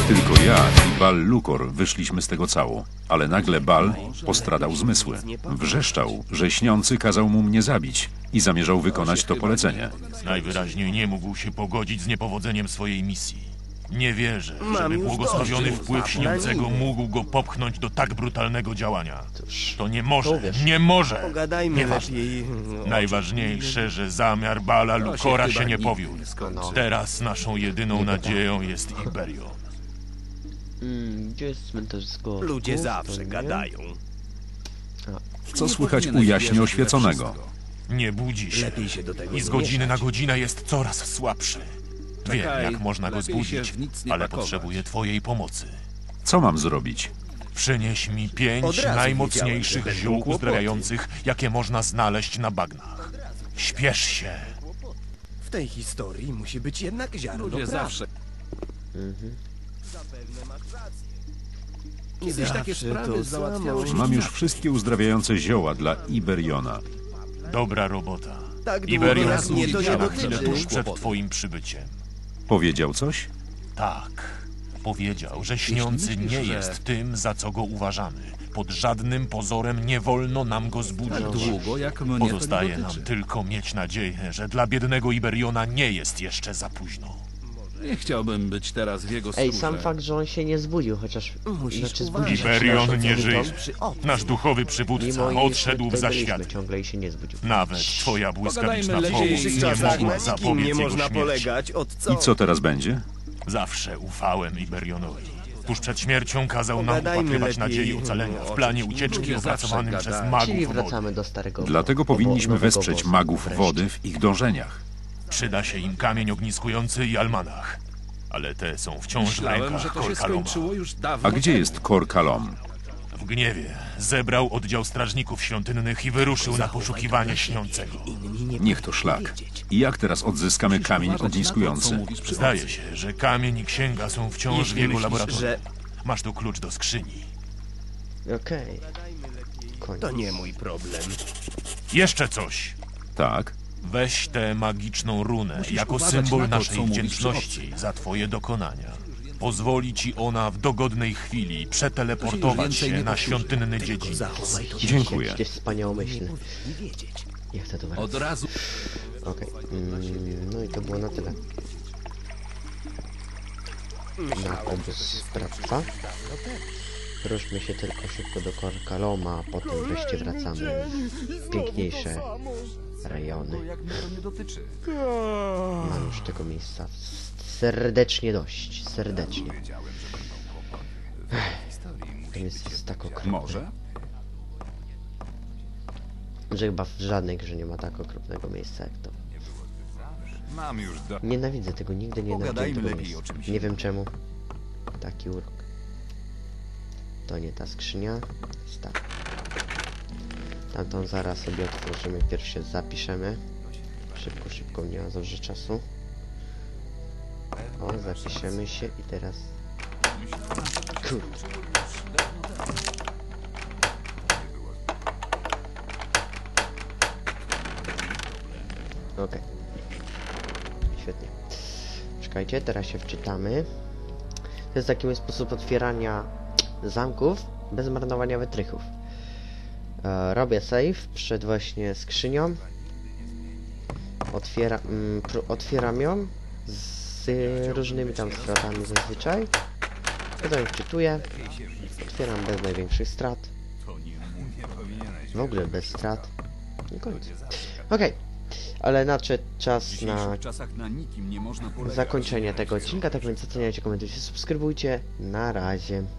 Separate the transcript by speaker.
Speaker 1: Tylko ja i Bal Lukor wyszliśmy z tego cało, ale nagle Bal postradał zmysły. Wrzeszczał, że śniący kazał mu mnie zabić i zamierzał wykonać to polecenie.
Speaker 2: Najwyraźniej nie mógł się pogodzić z niepowodzeniem swojej misji. Nie wierzę, żeby błogosławiony wpływ śniącego mógł go popchnąć do tak brutalnego działania. To nie może, nie może!
Speaker 3: Pogadajmy lepiej.
Speaker 2: Najważniejsze, że zamiar Bala Lukora się nie powiódł. Teraz naszą jedyną nadzieją jest Iberion.
Speaker 4: Gdzie jest cmentarz zgorów?
Speaker 3: Ludzie zawsze gadają.
Speaker 1: Co słychać u jaśnie oświeconego?
Speaker 2: Nie budzi się
Speaker 3: Lepiej się do tego
Speaker 2: i z
Speaker 3: nie
Speaker 2: godziny na
Speaker 3: mieszać.
Speaker 2: godzinę jest coraz słabszy. Wiem, jak można go zbudzić, ale potrzebuję twojej pomocy.
Speaker 1: Co mam zrobić?
Speaker 2: Przynieś mi
Speaker 3: Od
Speaker 2: 5
Speaker 3: razu
Speaker 2: najmocniejszych
Speaker 3: wiedziałem, że
Speaker 2: ziół
Speaker 3: będą
Speaker 2: uzdrawiających, jakie można znaleźć na bagnach. Śpiesz się.
Speaker 3: W tej historii musi być jednak ziarno
Speaker 5: Ludzie
Speaker 3: prawdy.
Speaker 5: zawsze.
Speaker 3: Zapewne masz rację.
Speaker 5: Kiedyś takie
Speaker 3: Zawsze
Speaker 5: sprawy
Speaker 3: to
Speaker 5: załatwiało się.
Speaker 1: Mam już wszystkie uzdrawiające zioła dla Iberiona.
Speaker 2: Dobra robota.
Speaker 3: Tak długo
Speaker 2: Iberion
Speaker 3: jak mnie to
Speaker 2: zgubi
Speaker 3: nie
Speaker 2: się na chwilę
Speaker 3: dotyczy.
Speaker 2: tuż przed twoim przybyciem.
Speaker 1: Powiedział coś?
Speaker 2: Tak. Powiedział, że śniący
Speaker 5: myślisz,
Speaker 2: nie
Speaker 5: że-
Speaker 2: jest tym, za co go uważamy. Pod żadnym pozorem nie wolno nam go zbudzić.
Speaker 5: Tak długo, jak mnie
Speaker 2: Pozostaje
Speaker 5: to
Speaker 2: nam
Speaker 5: dotyczy.
Speaker 2: tylko mieć nadzieję, że dla biednego Iberiona nie jest jeszcze za późno.
Speaker 5: Nie chciałbym być teraz w jego
Speaker 4: Ej,
Speaker 5: skórze.
Speaker 4: sam fakt, że on się nie zbudził, chociaż...
Speaker 3: Musisz
Speaker 4: znaczy
Speaker 3: uważać.
Speaker 2: Iberion nie żyje.
Speaker 3: Przy obcym.
Speaker 2: Nasz duchowy
Speaker 4: Mimo
Speaker 2: przywódca
Speaker 4: iż
Speaker 2: odszedł w
Speaker 4: tutaj byliśmy
Speaker 2: zaświat.
Speaker 4: ciągle i się nie zbudził.
Speaker 2: Nawet twoja błyskawiczna
Speaker 5: Pogadajmy
Speaker 2: pomoc
Speaker 5: lepiej.
Speaker 3: W
Speaker 2: nie
Speaker 3: czasach
Speaker 2: mogła
Speaker 3: na nikim
Speaker 2: zapobiec
Speaker 3: nie
Speaker 2: jego
Speaker 3: można
Speaker 2: śmierci.
Speaker 3: polegać. Od co?
Speaker 1: I co teraz będzie?
Speaker 2: Zawsze ufałem Iberionowi. Tuż przed śmiercią kazał nam
Speaker 3: Pogadajmy
Speaker 2: upatrywać
Speaker 3: lepiej
Speaker 2: nadziei ocalenia w planie ucieczki
Speaker 5: Ludzie zawsze
Speaker 2: opracowanym przez
Speaker 5: gadają.
Speaker 2: magów
Speaker 4: Czyli
Speaker 2: wody.
Speaker 4: wracamy do starego...
Speaker 1: Dlatego powinniśmy
Speaker 4: nowego
Speaker 1: wesprzeć
Speaker 4: obozu.
Speaker 1: magów
Speaker 4: Wreszcie.
Speaker 1: wody w ich dążeniach.
Speaker 2: Przyda się im kamień ogniskujący i almanach. Ale te są wciąż w
Speaker 5: Myślałem, że
Speaker 2: rękach
Speaker 5: to się
Speaker 2: Korkaloma.
Speaker 5: skończyło już dawno
Speaker 1: A gdzie
Speaker 5: temu.
Speaker 1: jest Kor Kalom?
Speaker 2: W gniewie zebrał oddział strażników świątynnych i wyruszył na poszukiwanie śniącego.
Speaker 3: Inni nie
Speaker 1: Niech to szlak. I jak teraz odzyskamy kamień
Speaker 5: Uważać na to, co
Speaker 1: ogniskujący?
Speaker 5: mówisz przy
Speaker 2: Zdaje
Speaker 5: obcych.
Speaker 2: się, że kamień i księga są wciąż
Speaker 5: Jeśli
Speaker 2: w jego
Speaker 5: myślisz,
Speaker 2: laboratorium.
Speaker 3: że
Speaker 2: Masz tu klucz do skrzyni.
Speaker 4: Okej. Koniec.
Speaker 3: to nie mój problem.
Speaker 2: Jeszcze coś.
Speaker 1: Tak.
Speaker 2: Weź tę magiczną runę
Speaker 5: Musisz
Speaker 2: jako
Speaker 5: uważać
Speaker 2: symbol
Speaker 5: na to,
Speaker 2: naszej
Speaker 5: co mówisz
Speaker 2: wdzięczności za twoje dokonania. Pozwoli ci ona w dogodnej chwili przeteleportować
Speaker 5: więcej
Speaker 2: się
Speaker 5: nie
Speaker 2: na
Speaker 5: powtórzy.
Speaker 2: świątynny dziedziniec.
Speaker 3: Zachowaj to.
Speaker 1: Dziękuję.
Speaker 4: Jakieś wspaniałomyślne.
Speaker 3: Nie wiedzieć.
Speaker 4: Nie chcę to
Speaker 5: Od
Speaker 4: wracać.
Speaker 5: razu.
Speaker 4: Okej. No i to było na tyle. Na obóz sprawca. Ruszmy się tylko szybko do Korkaloma, a potem wreszcie wracamy w piękniejsze rejony. Mam już tego miejsca serdecznie dość. Serdecznie. To jest tak okropne,
Speaker 5: Może?
Speaker 4: że chyba w żadnej grze nie ma tak okropnego miejsca jak to.
Speaker 6: Mam już do...
Speaker 4: Nienawidzę tego, nigdy nie nienawidzę
Speaker 6: Pogadajmy
Speaker 4: tego
Speaker 6: lepiej
Speaker 4: miejsca.
Speaker 6: o czymś
Speaker 4: Nie wiem czemu. Taki urok. To nie ta skrzynia. Jest ta. Tamtą zaraz sobie otworzymy. Pierw się zapiszemy. Szybko, nie ma za dużo czasu. O, zapiszemy się i teraz... Kurde. Okej. Świetnie. Czekajcie, teraz się wczytamy. To jest taki sposób otwierania zamków bez marnowania wytrychów. Robię save przed właśnie skrzynią. Otwieram ją z różnymi tam stratami zazwyczaj. Potem wczytuję. Otwieram bez największych strat. W ogóle bez strat. I koniec. Okej. Ale nadszedł czas na
Speaker 6: W czasach na nikim nie można polegać.
Speaker 4: zakończenie tego odcinka, tak więc oceniajcie, komentujcie, subskrybujcie. Na razie.